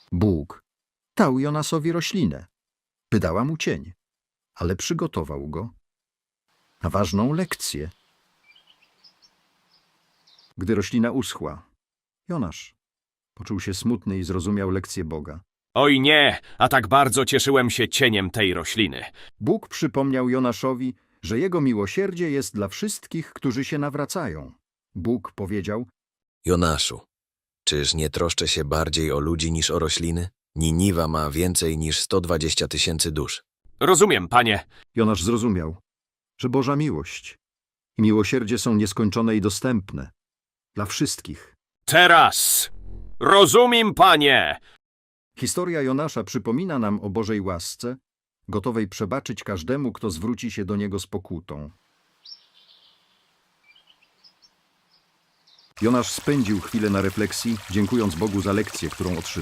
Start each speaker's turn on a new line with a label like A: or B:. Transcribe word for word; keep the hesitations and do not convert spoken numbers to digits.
A: Bóg dał Jonasowi roślinę, by dała mu cień, ale przygotował go na ważną lekcję. Gdy roślina uschła, Jonasz poczuł się smutny i zrozumiał lekcję Boga.
B: Oj nie, a tak bardzo cieszyłem się cieniem tej rośliny.
A: Bóg przypomniał Jonaszowi, że jego miłosierdzie jest dla wszystkich, którzy się nawracają. Bóg powiedział:
C: Jonaszu, czyż nie troszczę się bardziej o ludzi niż o rośliny? Niniwa ma więcej niż sto dwadzieścia tysięcy dusz.
B: Rozumiem, panie.
A: Jonasz zrozumiał, że Boża miłość i miłosierdzie są nieskończone i dostępne dla wszystkich.
B: Teraz! Rozumiem, panie!
A: Historia Jonasza przypomina nam o Bożej łasce, gotowej przebaczyć każdemu, kto zwróci się do Niego z pokutą. Jonasz spędził chwilę na refleksji, dziękując Bogu za lekcję, którą otrzymał.